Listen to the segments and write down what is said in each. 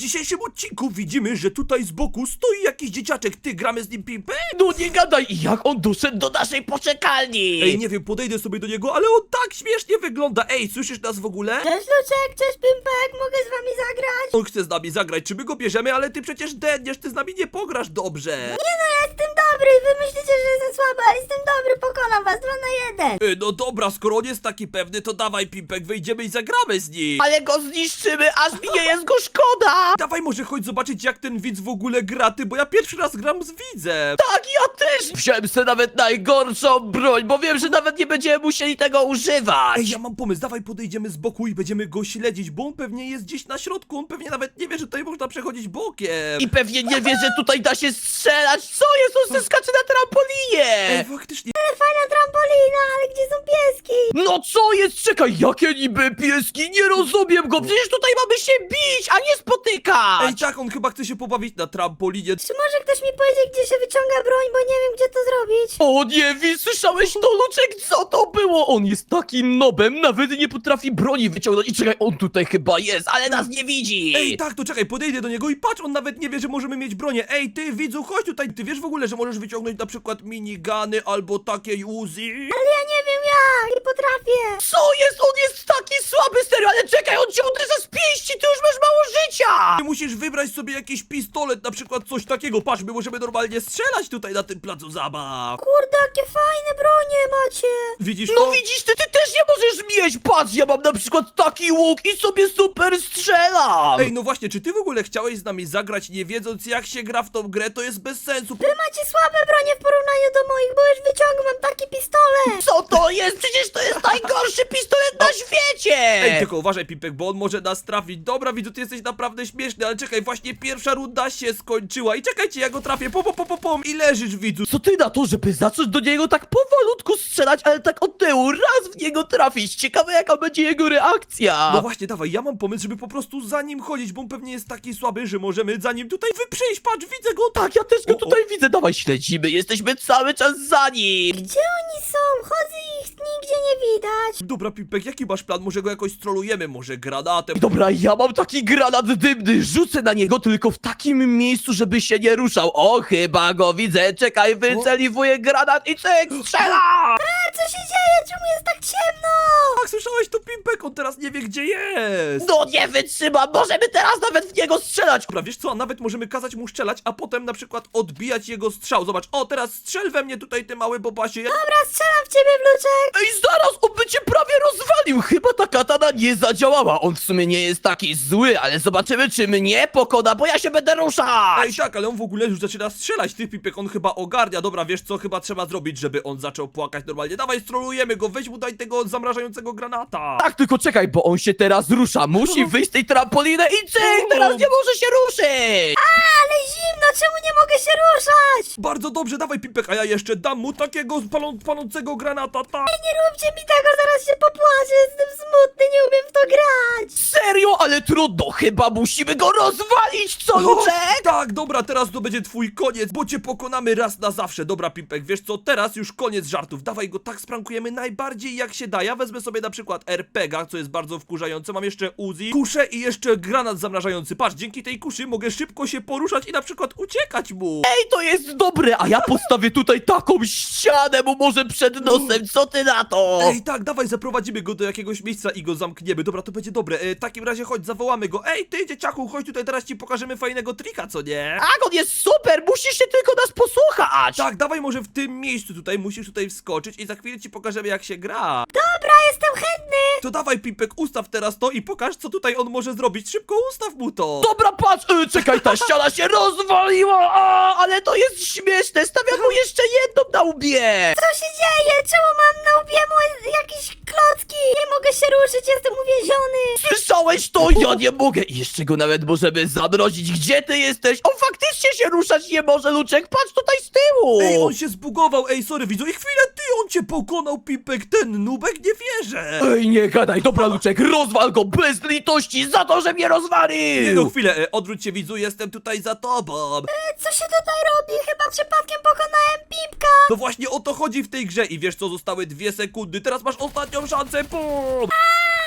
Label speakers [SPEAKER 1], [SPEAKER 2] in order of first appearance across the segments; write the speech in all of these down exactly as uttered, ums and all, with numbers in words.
[SPEAKER 1] dzisiejszym odcinku widzimy, że tutaj z boku stoi jakiś dzieciaczek. Ty, gramy z nim pimpę?
[SPEAKER 2] No nie gadaj, jak on doszedł do naszej poczekalni?
[SPEAKER 1] Ej, nie wiem, podejdę sobie do niego, ale on tak śmiesznie wygląda. Ej, słyszysz nas w ogóle?
[SPEAKER 3] Cześć Luczek, cześć Pimpek, mogę z wami zagrać?
[SPEAKER 1] On chce z nami zagrać, czy my go bierzemy, ale ty przecież dedniesz, ty z nami nie pograsz dobrze.
[SPEAKER 3] Nie no, ja jestem dobry, wy myślicie, że jestem słaby, ale jestem dobry, pokonam was dwa na jeden.
[SPEAKER 1] Ej, no dobra, skoro on jest taki pewny, to dawaj Pimpek, wyjdziemy i zagramy z nim.
[SPEAKER 2] Ale go zniszczymy, aż mi nie jest go szkoda!
[SPEAKER 1] Dawaj może chodź zobaczyć, jak ten widz w ogóle gra, ty, bo ja pierwszy raz gram z widzem.
[SPEAKER 2] Tak, ja też! Wziąłem sobie nawet najgorszą broń, bo wiem, że nawet nie będziemy musieli tego używać!
[SPEAKER 1] Ej, ja mam pomysł, dawaj podejdziemy z boku i będziemy go śledzić, bo on pewnie jest gdzieś na środku, on pewnie nawet nie wie, że tutaj można przechodzić bokiem.
[SPEAKER 2] I pewnie nie wie, że tutaj da się strzelać! Co jest? On se skacze na trampolinie!
[SPEAKER 1] Ej, faktycznie.
[SPEAKER 3] Ale fajna trampolina, ale gdzie są pieski?
[SPEAKER 2] No co jest? Czekaj, jakie niby pieski? Nie rozumiem go! Przecież tutaj mamy się bić, a nie spotykać!
[SPEAKER 1] Ej, tak, on chyba chce się pobawić na trampolinie.
[SPEAKER 3] Czy może ktoś mi powiedzieć, gdzie się wyciąga broń, bo nie wiem, gdzie to zrobić?
[SPEAKER 2] O nie, Wi, słyszałeś to, Luczek? Co to było? On jest takim nobem, nawet nie potrafi broni wyciągnąć. I czekaj, on tutaj chyba jest, ale nas nie widzi!
[SPEAKER 1] Ej, tak, to czekaj, podejdę do niego i patrz, on nawet nie wie, że możemy mieć bronię. Ej, ty, widzu, chodź tutaj, ty wiesz w ogóle, że możesz wyciągnąć na przykład minigany albo takie Uzi?
[SPEAKER 3] Ale ja nie wiem jak, nie potrafię.
[SPEAKER 2] Co jest? On jest taki słaby, serio, ale czekaj, on cię uderza z pięści, ty już masz mało życia!
[SPEAKER 1] Ty musisz wybrać sobie jakiś pistolet, na przykład coś takiego. Patrz, my możemy normalnie strzelać tutaj na tym placu zabaw.
[SPEAKER 3] Kurde, jakie fajne bronie macie.
[SPEAKER 1] Widzisz
[SPEAKER 2] No
[SPEAKER 1] to?
[SPEAKER 2] widzisz, ty, ty też nie możesz mieć! Patrz, ja mam na przykład taki łuk i sobie super strzelam!
[SPEAKER 1] Ej, no właśnie, czy ty w ogóle chciałeś z nami zagrać, nie wiedząc jak się gra w tą grę? To jest bez sensu.
[SPEAKER 3] Wy macie słabe bronie w porównaniu do moich, bo już wyciągam taki pistolet.
[SPEAKER 2] Co to jest? Przecież to jest najgorszy pistolet na świecie!
[SPEAKER 1] Ej, tylko uważaj, Pipek, bo on może nas trafić. Dobra, widzu, ty jesteś naprawdę śmieszny, ale czekaj, właśnie pierwsza runda się skończyła i czekajcie, ja go trafię, pom, pom, pom, pom i leżysz, widzu.
[SPEAKER 2] Co ty na to, żeby zacząć do niego tak powolutku strzelać, ale tak od tyłu, raz w niego trafić? Ciekawe, jaka będzie jego reakcja!
[SPEAKER 1] No właśnie, dawaj, ja mam pomysł, żeby po prostu za nim chodzić, bo on pewnie jest taki słaby, że możemy za nim tutaj wyprzejść, patrz, widzę go.
[SPEAKER 2] Tak, ja też go
[SPEAKER 1] O, o.
[SPEAKER 2] tutaj widzę, dawaj, śledzimy, jesteśmy cały czas za nim!
[SPEAKER 3] Gdzie oni są? Chodzę ich nigdzie nie widać.
[SPEAKER 1] Dobra, Pipek, jaki masz plan? Może go jakoś strolujemy, może granatem?
[SPEAKER 2] Dobra, ja mam taki granat dymny, rzucę na niego tylko w takim miejscu, żeby się nie ruszał. O, chyba go widzę, czekaj, wyceliwuję granat i cyk, strzela!
[SPEAKER 3] A co się dzieje? Czemu jest tak ciemno?
[SPEAKER 1] Tak, słyszałeś to, Pipek, on teraz nie wie, gdzie jest.
[SPEAKER 2] No nie wytrzymam, możemy teraz nawet w niego strzelać!
[SPEAKER 1] Dobra, wiesz co, a nawet możemy kazać mu strzelać, a potem na przykład odbijać jego strzał. Zobacz, o, teraz strzel we mnie tutaj, ty mały bobasie. Ja...
[SPEAKER 3] Dobra, strzelam w ciebie, Wluczek.
[SPEAKER 2] Ej, zaraz, on by cię prawie rozwalił, chyba ta katana nie zadziałała. On w sumie nie jest taki zły, ale zobaczymy, czy mnie pokona, bo ja się będę ruszać!
[SPEAKER 1] Ej, tak, ale on w ogóle już zaczyna strzelać, ty, Pipek, on chyba ogarnia. Dobra, wiesz co, chyba trzeba zrobić, żeby on zaczął płakać normalnie. Dawaj, strolujemy go, weź mu daj tego zamrażającego granata.
[SPEAKER 2] Tak, tylko czekaj, bo on się teraz rusza. Musi wyjść z tej trampoliny i cyk, teraz nie może się ruszyć!
[SPEAKER 3] Ale zimno, czemu nie mogę się ruszać?
[SPEAKER 1] Bardzo dobrze, dawaj, Pipek, a ja jeszcze dam mu takiego palą, palącego granata, tak.
[SPEAKER 3] Nie róbcie mi tego, zaraz się popłaczę, jestem smutny, nie umiem w to grać.
[SPEAKER 2] Serio? Ale trudno, chyba musimy go rozwalić, co, Luczek?
[SPEAKER 1] Tak, dobra, teraz to będzie twój koniec, bo cię pokonamy raz na zawsze. Dobra, Pipek, wiesz co, teraz już koniec żartów. Dawaj go tak sprankujemy najbardziej jak się da. Ja wezmę sobie na przykład er pe gie a, co jest bardzo wkurzające. Mam jeszcze Uzi, kuszę i jeszcze granat zamrażający. Patrz, dzięki tej kuszy mogę szybko się poruszać i na przykład uciekać mu.
[SPEAKER 2] Ej, to jest dobre, a ja postawię tutaj taką ścianę mu może przed nosem, co ty na to?
[SPEAKER 1] Ej, tak, dawaj, zaprowadzimy go do jakiegoś miejsca i go zamkniemy. Dobra, to będzie dobre. E, w takim razie chodź, zawołamy go. Ej, ty, dzieciaku, chodź tutaj, teraz ci pokażemy fajnego trika, co nie?
[SPEAKER 2] Tak, on jest super, musisz się tylko nas posłuchać!
[SPEAKER 1] Tak, dawaj może w tym miejscu tutaj, musisz tutaj wskoczyć i za chwilę ci pokażemy jak się gra.
[SPEAKER 3] Dobra, jestem chętny.
[SPEAKER 1] To dawaj, Pipek, ustaw teraz to i pokaż, co tutaj on może zrobić. Szybko ustaw mu to.
[SPEAKER 2] Dobra, patrz, y, czekaj, ta ściana się rozwaliła, a, ale to jest śmieszne, stawiam mu jeszcze jedną na łbie!
[SPEAKER 3] Co się dzieje? Czemu mam na łbie moje jakieś klocki? Nie mogę się ruszyć, jestem uwięziony.
[SPEAKER 2] Słyszałeś to? Ja nie mogę! I jeszcze go nawet możemy zamrozić. Gdzie ty jesteś? On faktycznie się ruszać nie może, Luczek, patrz tutaj z tyłu!
[SPEAKER 1] Ej, on się zbugował, ej, sorry, widzu, i chwilę, ty, on cię pokonał, Pipek, ten nubek, nie wierzę.
[SPEAKER 2] Ej, nie gadaj, dobra, Luczek, rozwal go bez litości za to, że mnie rozwalił!
[SPEAKER 1] Nie no, chwilę, e, odwróć się, widzu, jestem tutaj za tobą.
[SPEAKER 3] E, Co się tutaj robi? Chyba przypadkiem pokonałem Pipka.
[SPEAKER 1] To właśnie o to chodzi w tej grze i wiesz co, zostały dwie sekundy, teraz masz ostatnią szansę, pum!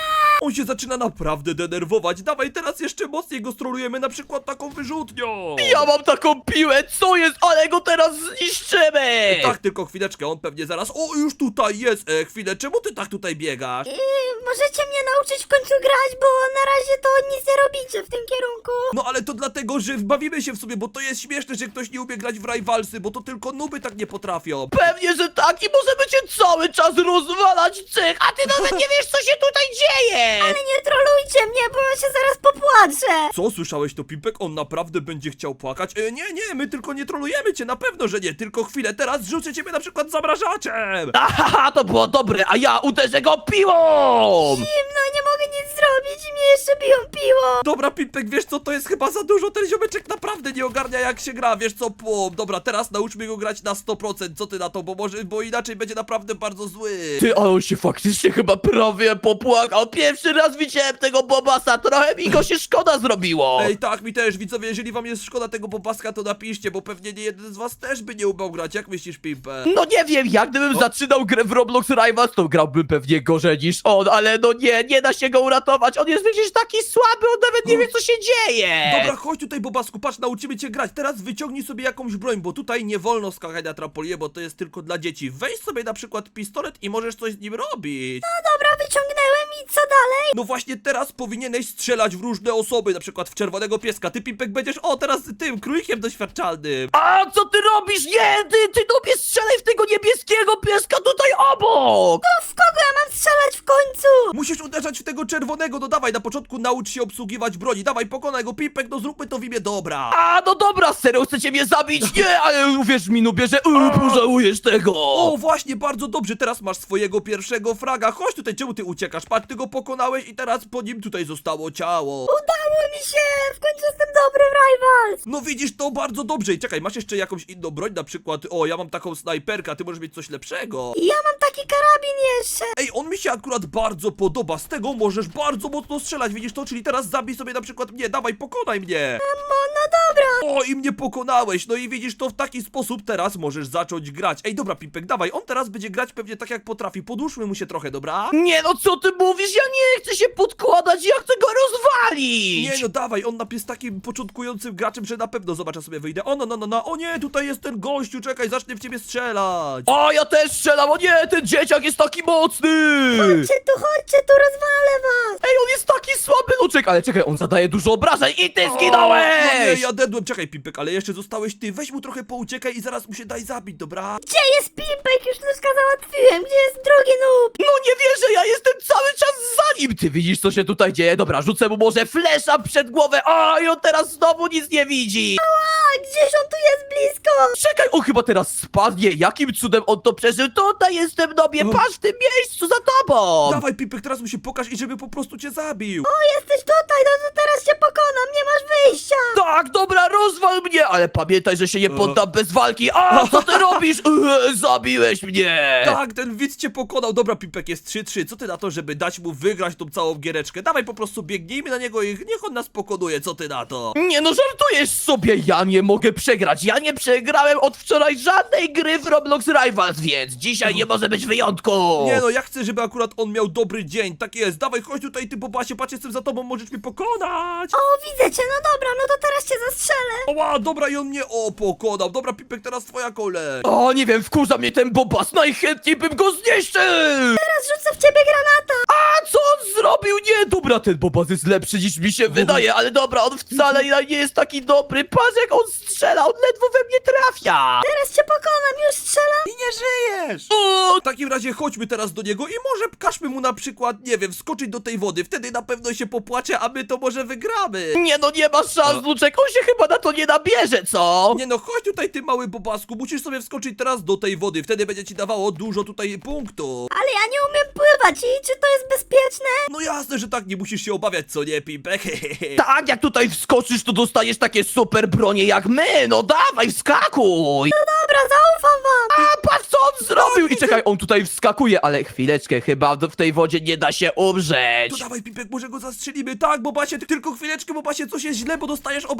[SPEAKER 1] On się zaczyna naprawdę denerwować. Dawaj, teraz jeszcze mocniej go strolujemy, na przykład taką wyrzutnią.
[SPEAKER 2] Ja mam taką piłę, co jest? Ale go teraz zniszczymy!
[SPEAKER 1] Tak, tylko chwileczkę, on pewnie zaraz... O, już tutaj jest! E, chwilę, czemu ty tak tutaj biegasz?
[SPEAKER 3] Yy, możecie mnie nauczyć w końcu grać, bo na razie to nic nie robicie w tym kierunku.
[SPEAKER 1] No ale to dlatego, że bawimy się w sobie, bo to jest śmieszne, że ktoś nie umie grać w Rivalsy, bo to tylko nuby tak nie potrafią.
[SPEAKER 2] Pewnie, że tak i możemy cię cały czas rozwalać, cyk, a ty nawet nie wiesz, co się tutaj dzieje!
[SPEAKER 3] Ale nie trolujcie mnie, bo ja się zaraz popłaczę.
[SPEAKER 1] Co, słyszałeś to, Pimpek? On naprawdę będzie chciał płakać? E, nie, nie, my tylko nie trolujemy cię, na pewno, że nie, tylko chwilę, teraz rzucę ciebie na przykład zamrażaczem!
[SPEAKER 2] Ahaha, to było dobre, a ja uderzę go piłą!
[SPEAKER 3] Zimno, nie mogę nic zrobić i mnie jeszcze biją piłą.
[SPEAKER 1] Dobra, Pimpek, wiesz co, to jest chyba za dużo, ten ziomeczek naprawdę nie ogarnia jak się gra, wiesz co, płom. Dobra, teraz nauczmy go grać na sto procent, co ty na to, bo może, bo inaczej będzie naprawdę bardzo zły.
[SPEAKER 2] Ty, ale on się faktycznie chyba prawie popłakał. Pierwszy raz widziałem tego Bobasa, trochę mi go się szkoda zrobiło.
[SPEAKER 1] Ej, tak, mi też, widzowie, jeżeli wam jest szkoda tego popaska, to napiszcie, bo pewnie nie jeden z was też by nie umiał grać, jak myślisz, Pimpek?
[SPEAKER 2] No nie wiem, jak gdybym
[SPEAKER 1] O.
[SPEAKER 2] zaczynał grę w Roblox Rivals, to grałbym pewnie gorzej niż on, ale no nie, nie da się go uratować, on jest przecież taki słaby, on nawet nie wie, co się dzieje.
[SPEAKER 1] Dobra, chodź tutaj, Bobasku, patrz, nauczymy cię grać. Teraz wyciągnij sobie jakąś broń, bo tutaj nie wolno skakać na trampolinie, bo to jest tylko dla dzieci. Weź sobie na przykład pistolet i możesz coś z nim robić.
[SPEAKER 3] No dobra, wyciągnęłem i co dalej?
[SPEAKER 1] No właśnie teraz powinieneś strzelać w różne osoby, na przykład w czerwonego pieska. Ty, Pimpek, będziesz, o, teraz tym, królikiem doświadczalnym.
[SPEAKER 2] A co ty robisz? Nie, ty, ty tobie strzelaj w tego niebieskiego pieska tutaj obok!
[SPEAKER 3] No w kogo ja mam strzelać w końcu?
[SPEAKER 1] Musisz uderzać w tego czerwonego, no dawaj, na początku naucz się obsługiwać broni. Dawaj, pokonaj go, Pimpek, no zróbmy to w imię dobra.
[SPEAKER 2] A, no dobra, serio chcecie mnie zabić? Nie, ale uwierz mi, nubie, że yy, pożałujesz tego!
[SPEAKER 1] O, właśnie, bardzo dobrze, teraz masz swojego pierwszego fraga. Chodź tutaj, czemu ty uciekasz? Patrz, ty go pokonałeś i teraz po nim tutaj zostało ciało.
[SPEAKER 3] Udało mi się! W końcu jestem dobry w Rivals!
[SPEAKER 1] No widzisz, to bardzo dobrze. I czekaj, masz jeszcze jakąś inną broń, na przykład, o, ja mam taką snajperkę, a ty możesz mieć coś lepszego.
[SPEAKER 3] I ja mam taki karabin jeszcze!
[SPEAKER 1] Ej, on mi się akurat bardzo podoba, z tego możesz bardzo mocno strzelać, widzisz to? Czyli teraz zabij sobie na przykład mnie, dawaj, pokonaj mnie.
[SPEAKER 3] No, no dobra!
[SPEAKER 1] O, i mnie pokonałeś, no i widzisz, to w taki sposób teraz możesz zacząć grać. Ej, dobra, Pimpek, dawaj, on teraz będzie grać pewnie tak jak potrafi, podłóżmy mu się trochę, dobra?
[SPEAKER 2] Nie, no co ty mówisz? Ja nie chcę się podkładać, ja chcę go rozwalić!
[SPEAKER 1] Nie no, dawaj, on jest takim początkującym graczem, że na pewno zobaczę sobie wyjdę. O, no, no, no, no, o nie, tutaj jest ten gościu, czekaj, zacznę w ciebie strzelać.
[SPEAKER 2] O, ja też strzelam, o nie, ten dzieciak jest taki mocny!
[SPEAKER 3] Chodźcie tu, chodźcie tu, rozwalę was!
[SPEAKER 2] Ej, on jest taki słaby, no czekaj, ale czekaj, on zadaje dużo obrażeń i ty
[SPEAKER 1] O,
[SPEAKER 2] zginąłeś!
[SPEAKER 1] No nie, ja dedłem, czekaj, Pimpek, ale jeszcze zostałeś ty, weź mu trochę pouciekaj i zaraz mu się daj zabić, dobra?
[SPEAKER 3] Gdzie jest Pimpek? Już nóżka załatwiłem! Gdzie jest drugi noob?
[SPEAKER 2] No nie wierzę, ja jestem cały czas za nim! Ty widzisz, co się tutaj dzieje? Dobra, rzucę mu może flesza przed głowę, o, i on teraz znowu nic nie widzi!
[SPEAKER 3] A, gdzieś on tu jest blisko!
[SPEAKER 2] Czekaj, on chyba teraz spadnie, jakim cudem on to przeżył? Tutaj jestem, nobie,
[SPEAKER 1] O.
[SPEAKER 2] patrz w tym miejscu za tobą!
[SPEAKER 1] Dawaj, Pimpek, teraz mu się pokaż i żeby po prostu cię zabił.
[SPEAKER 3] O, jesteś tutaj, no to teraz cię pokonam, nie masz wyjścia!
[SPEAKER 2] Tak, dobra, rozwal mnie, ale pamiętaj, że się nie poddam bez walki. A, co ty robisz? Eee, zabiłeś mnie!
[SPEAKER 1] Tak, ten widz cię pokonał. Dobra, Pimpek, jest trzy trzy. Co ty na to, żeby dać mu wygrać tą całą giereczkę? Dawaj, po prostu biegnijmy na niego i niech on nas pokonuje. Co ty na to?
[SPEAKER 2] Nie no, żartujesz sobie, ja nie mogę przegrać. Ja nie przegrałem od wczoraj żadnej gry w Roblox Rivals, więc dzisiaj nie może być wyjątku.
[SPEAKER 1] Nie no, ja chcę, żeby akurat on miał dobry dzień. Tak jest. Dawaj, chodź tutaj, ty Bobasie, patrz, jestem za tobą, możesz mnie pokonać.
[SPEAKER 3] O, widzę cię, no dobra, no to teraz cię zastrzelę!
[SPEAKER 1] Oła, dobra, i on mnie, o, pokonał. Dobra, Pimpek, teraz twoja kolej.
[SPEAKER 2] O, nie wiem, wkurza mnie ten Bobas, najchętniej bym go zniszczył!
[SPEAKER 3] Teraz rzucę w ciebie granata!
[SPEAKER 2] A co on zrobił? Nie, dobra, ten Bobas jest lepszy niż mi się wydaje, ale dobra, on wcale nie jest taki dobry. Patrz jak on strzela, on ledwo we mnie trafia!
[SPEAKER 3] Teraz cię pokonam, już strzelam!
[SPEAKER 1] I nie żyjesz.
[SPEAKER 2] O,
[SPEAKER 1] W takim razie chodźmy teraz do niego i może każmy mu na przykład, nie wiem, skoczyć do tej wody. Wtedy na pewno się popłacze, a my to może wygramy.
[SPEAKER 2] nie no, nie ma szans, Luczek, on się chyba na to nie nabierze, co?
[SPEAKER 1] Nie no, chodź tutaj, ty mały Bobasku, musisz sobie wskoczyć teraz do tej wody, wtedy będzie ci dawało dużo tutaj punktów.
[SPEAKER 3] Ale ja nie umiem pływać i czy to jest bezpieczne?
[SPEAKER 1] No jasne, że tak, nie musisz się obawiać, co nie, Pimpek?
[SPEAKER 2] Tak, jak tutaj wskoczysz, to dostaniesz takie super bronie jak my, no dawaj, wskakuj!
[SPEAKER 3] Dobra, zaufam wam!
[SPEAKER 2] A patrz co on zrobił! I czekaj, on tutaj wskakuje, ale chwileczkę, chyba w tej wodzie nie da się
[SPEAKER 1] To
[SPEAKER 2] umrzeć.
[SPEAKER 1] dawaj, Pimpek, może go zastrzelimy. Tak, Bobasie, ty- tylko chwileczkę, Bobasie, coś jest źle, bo dostajesz obrażenia.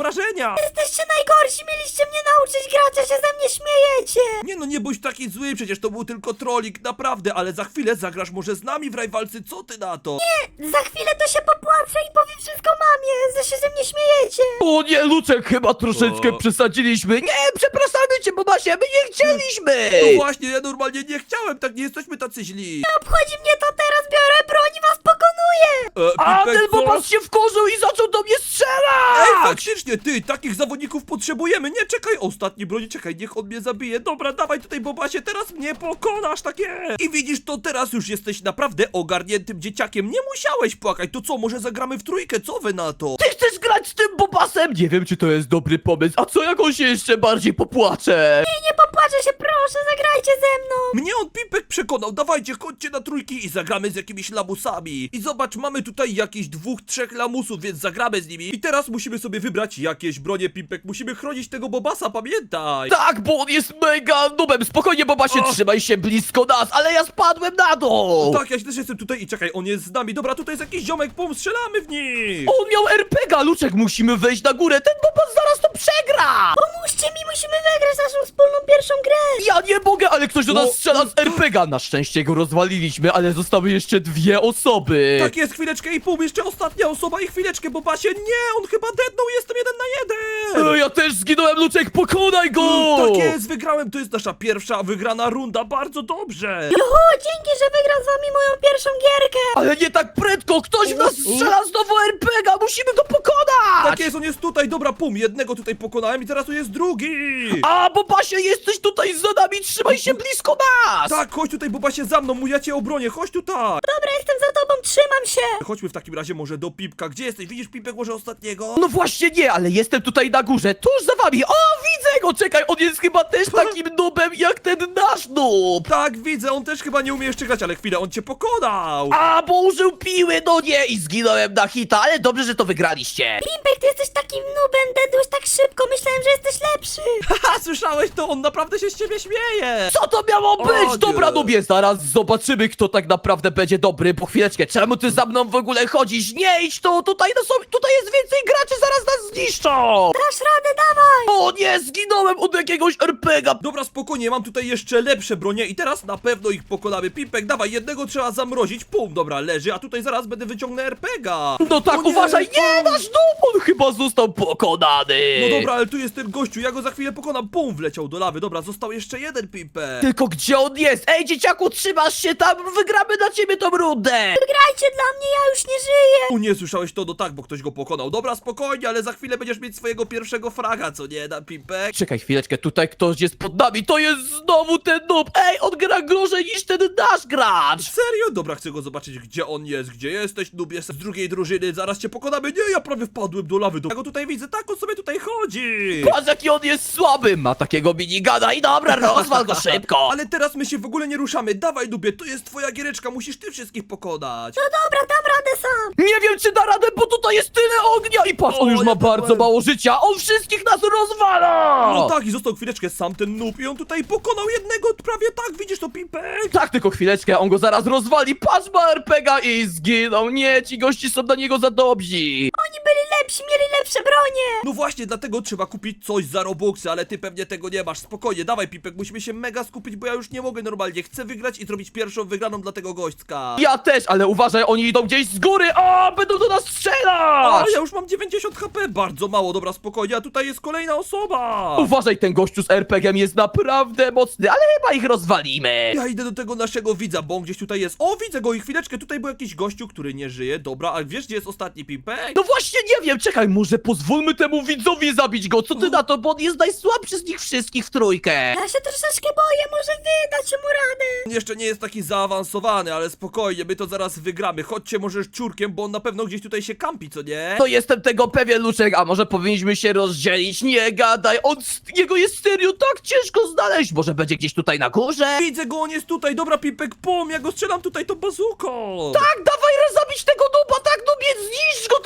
[SPEAKER 1] wrażenia.
[SPEAKER 3] Jesteście najgorsi, mieliście mnie nauczyć grać, a się ze mnie śmiejecie.
[SPEAKER 1] Nie no, nie bądź taki zły, przecież to był tylko trolling, naprawdę, ale za chwilę zagrasz może z nami w rajwalcy, co ty na to?
[SPEAKER 3] Za chwilę to się popłaczę i powiem wszystko mamie, że się ze mnie śmiejecie.
[SPEAKER 2] O nie, Luczek, chyba troszeczkę
[SPEAKER 1] O.
[SPEAKER 2] przesadziliśmy. Nie, przepraszamy cię, Bobasie, my nie chcieliśmy.
[SPEAKER 1] No właśnie, ja normalnie nie chciałem, tak nie jesteśmy tacy źli.
[SPEAKER 3] Nie obchodzi mnie to, teraz biorę broń i was pokonuję.
[SPEAKER 1] E,
[SPEAKER 2] A
[SPEAKER 1] Pipek,
[SPEAKER 2] ten
[SPEAKER 1] co?
[SPEAKER 2] Bobas się wkurzył i zaczął do mnie
[SPEAKER 1] Ej,
[SPEAKER 2] strzelać.
[SPEAKER 1] faktycznie, ty, takich zawodników potrzebujemy, nie czekaj, ostatni broni, czekaj, niech on mnie zabije, dobra, dawaj tutaj, Bobasie, teraz mnie pokonasz, takie. I widzisz, to teraz już jesteś naprawdę ogarniętym dzieciakiem, nie musiałeś płakać, to co, może zagramy w trójkę, co wy na to?
[SPEAKER 2] Ty chcesz grać z tym Bobasem? Nie wiem, czy to jest dobry pomysł. A co jak on się jeszcze bardziej popłacze?
[SPEAKER 3] Nie, nie popłaczę się, proszę, zagrajcie ze mną.
[SPEAKER 1] Mnie on Pipek przekonał, dawajcie, chodźcie na trójki i zagramy z jakimiś lamusami. I zobacz, mamy tutaj jakichś dwóch, trzech lamusów, więc zagramy z nimi. I teraz musimy sobie wybrać jakieś bronie, Pipek, musimy chronić tego Bobasa, pamiętaj.
[SPEAKER 2] Tak, bo on jest mega nubem. Spokojnie, Bobasie,
[SPEAKER 1] O.
[SPEAKER 2] trzymaj się blisko nas, ale ja spadłem na dół.
[SPEAKER 1] Tak, ja też jestem tutaj i czekaj, on jest z nami. Dobra, tutaj jest jakiś ziomek, pum, strzelamy w nich.
[SPEAKER 2] On miał er pe gie a, Luczek, musimy wejść na górę. Ten Bobas zaraz to przegra.
[SPEAKER 3] Pomóżcie mi, musimy wygrać naszą wspólną pierwszą grę.
[SPEAKER 2] Ja nie mogę, ale ktoś do nas
[SPEAKER 1] O.
[SPEAKER 2] strzela z er pe gie a. Na szczęście go rozwaliliśmy, ale zostały jeszcze dwie osoby.
[SPEAKER 1] Tak jest, chwileczkę i pół, jeszcze ostatnia osoba i chwileczkę, Bobasie. Nie, on chyba deadnął, jestem jeden na jeden.
[SPEAKER 2] E, ja też zginąłem, Luczek, pokonaj go.
[SPEAKER 1] Tak jest, wygrałem, to jest nasza pierwsza wygrana runda, bardzo dobrze.
[SPEAKER 3] Juhu, dzięki, że wygram z wami moją pierwszą gierkę.
[SPEAKER 2] Ale nie tak prędko, ktoś w nas strzela znowu er pe gie a, musimy go pokonać.
[SPEAKER 1] Tak jest, on jest tutaj, dobra, pum, jednego tutaj pokonałem i teraz tu jest drugi.
[SPEAKER 2] A, Bobasie, jesteś tutaj za nami, trzymaj się blisko nas.
[SPEAKER 1] Tak, chodź tutaj, Bobasie, za mną, mój ja cię obronię, chodź tutaj.
[SPEAKER 3] Dobra, jestem za tobą, trzymam się.
[SPEAKER 1] Chodźmy w takim razie może do Pipka, gdzie jesteś? Widzisz Pipek może ostatniego?
[SPEAKER 2] No właśnie nie, ale jestem tutaj na górze, tuż za wami. O, widzę go, czekaj, on jest chyba też takim nubem jak ten nasz nub.
[SPEAKER 1] Tak, widzę, on też chyba nie umie jeszcze grać, ale chwilę, on cię pokonał.
[SPEAKER 2] A, bo użył piły, no nie, i zginąłem na hita, ale dobrze, że to wygraliście.
[SPEAKER 3] Pimpek, ty jesteś takim nubem, dedłeś tak szybko, myślałem, że jesteś lepszy.
[SPEAKER 1] Haha, słyszałeś to? On naprawdę się z ciebie śmieje.
[SPEAKER 2] Co to miało
[SPEAKER 1] O,
[SPEAKER 2] być?
[SPEAKER 1] nie.
[SPEAKER 2] Dobra, nubie, zaraz zobaczymy, kto tak naprawdę będzie dobry. Po chwileczkę, czemu ty za mną w ogóle chodzisz? Nie idź tu, tutaj, no są, tutaj jest więcej graczy, zaraz nas zniszczą.
[SPEAKER 3] Dasz radę, dawaj.
[SPEAKER 2] O nie, zginąłem od jakiegoś er pe gie a.
[SPEAKER 1] Dobra, spokojnie, mam tutaj jeszcze lepsze bronie i teraz na pewno ich pokonamy. Pipek, dawaj, jednego trzeba zamrozić, pum, dobra, leży, a tutaj zaraz będę wyciągnę er pe gie a.
[SPEAKER 2] No tak,
[SPEAKER 1] O nie,
[SPEAKER 2] uważaj, nie,
[SPEAKER 1] pum.
[SPEAKER 2] nasz nub, on chyba został pokonany.
[SPEAKER 1] No dobra, ale tu jest ten gościu, ja go za chwilę pokonam, pum, wleciał do lawy, dobra, został jeszcze jeden Pipek.
[SPEAKER 2] Tylko gdzie on jest? Ej, dzieciaku, trzymasz się tam, wygramy dla ciebie tą rundę.
[SPEAKER 3] Grajcie dla mnie, ja już nie żyję.
[SPEAKER 1] O nie, słyszałeś to? No tak, bo ktoś go pokonał. Dobra, spokojnie, ale za chwilę będziesz mieć swojego pierwszego fraga, co nie, na Pipek?
[SPEAKER 2] Czekaj chwileczkę, tutaj ktoś jest pod nami, to jest znowu ten noob. Ej, on gra gorzej niż ten nasz gracz.
[SPEAKER 1] Serio? Dobra, chcę go zobaczyć, gdzie on jest, gdzie jesteś, nubie z drugiej drużyny, zaraz cię pokonamy. Nie, ja prawie wpadłem do lawy, do... ja go tutaj widzę, tak on sobie tutaj chodzi.
[SPEAKER 2] Patrz, jaki on jest słaby, ma takiego minigana i dobra, rozwal go szybko.
[SPEAKER 1] Ale teraz my się w ogóle nie ruszamy, dawaj nubie, to jest twoja giereczka, musisz ty wszystkich pokonać.
[SPEAKER 3] No dobra, dam radę sam.
[SPEAKER 2] Nie wiem, czy da radę, bo tutaj jest tyle ognia i patrz, on
[SPEAKER 1] O,
[SPEAKER 2] już ma
[SPEAKER 1] ja
[SPEAKER 2] bardzo
[SPEAKER 1] byłem.
[SPEAKER 2] mało życia, on wszystkich nas rozwala.
[SPEAKER 1] No tak, i został chwileczkę sam ten noob i on tutaj pokonał jednego, prawie tak, widzisz to, Pipek?
[SPEAKER 2] Tak, tylko chwileczkę, on go zaraz rozwali, patrz, ma er pe gie a i zginął. Nie, ci gości są dla niego za dobrzy.
[SPEAKER 3] Oni byli lepsi, mieli lepsze bronie.
[SPEAKER 1] No właśnie, dlatego trzeba kupić coś za Robuxy, ale ty pewnie tego nie masz. Spokojnie, dawaj Pipek, musimy się mega skupić, bo ja już nie mogę normalnie. Chcę wygrać i zrobić pierwszą wygraną dla tego gośćka.
[SPEAKER 2] Ja też, ale uważaj, oni idą gdzieś z góry, o, będą do nas
[SPEAKER 1] A,
[SPEAKER 2] strzelać.
[SPEAKER 1] ja już mam dziewięćdziesiąt HP, bardzo mało, dobra, spokojnie, a tutaj jest kolejna osoba.
[SPEAKER 2] Uważaj, ten gościu z er pe gie em jest naprawdę mocny, ale chyba ich rozwalimy.
[SPEAKER 1] Ja idę do tego naszego widza, bo on gdzieś tutaj jest. O, widzę go i chwileczkę, tutaj był jakiś gościu, który nie żyje. Dobra, a wiesz, gdzie jest ostatni Pipek?
[SPEAKER 2] No właśnie nie wiem, czekaj, może pozwólmy temu widzowi zabić go, co ty na to, bo on jest najsłabszy z nich wszystkich w trójkę.
[SPEAKER 3] Ja się troszeczkę boję, może wy dacie mu radę.
[SPEAKER 1] On jeszcze nie jest taki zaawansowany, ale spokojnie, my to zaraz wygramy. Chodźcie może szczurkiem, bo on na pewno gdzieś tutaj się kampi, co nie?
[SPEAKER 2] To jestem tego pewien, Luczek, a może powinniśmy się rozdzielić? Nie gadaj, on, jego jest serio tak ciężko znaleźć, może będzie gdzieś tutaj na górze?
[SPEAKER 1] Widzę go, on jest tutaj, dobra Pipek, pum, ja go strzelam tutaj tą bazuką.
[SPEAKER 2] Tak, dawaj zabić tego dupa, tak, nubie, zniszcz go, tylko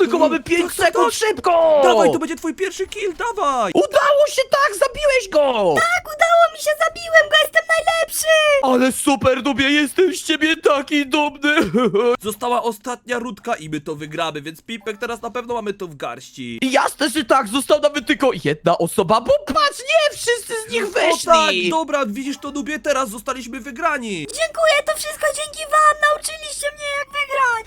[SPEAKER 2] tylko mamy pięć
[SPEAKER 1] Tak, tak,
[SPEAKER 2] sekund,
[SPEAKER 1] tak.
[SPEAKER 2] szybko!
[SPEAKER 1] Dawaj, to będzie twój pierwszy kill, dawaj!
[SPEAKER 2] Udało się, tak, zabiłeś go!
[SPEAKER 3] Tak, udało mi się, zabiłem go, jestem najlepszy!
[SPEAKER 2] Ale super, Dubie, jestem z ciebie taki dumny!
[SPEAKER 1] Została ostatnia rundka i my to wygramy, więc Pipek, teraz na pewno mamy to w garści.
[SPEAKER 2] Jasne, że tak, został nawet tylko jedna osoba, bo patrz, nie, wszyscy z nich
[SPEAKER 1] O tak,
[SPEAKER 2] wyszli!
[SPEAKER 1] dobra, widzisz to, Nubie, teraz zostaliśmy wygrani.
[SPEAKER 3] Dziękuję, to wszystko dzięki wam, nauczyliście mnie jak wygrać!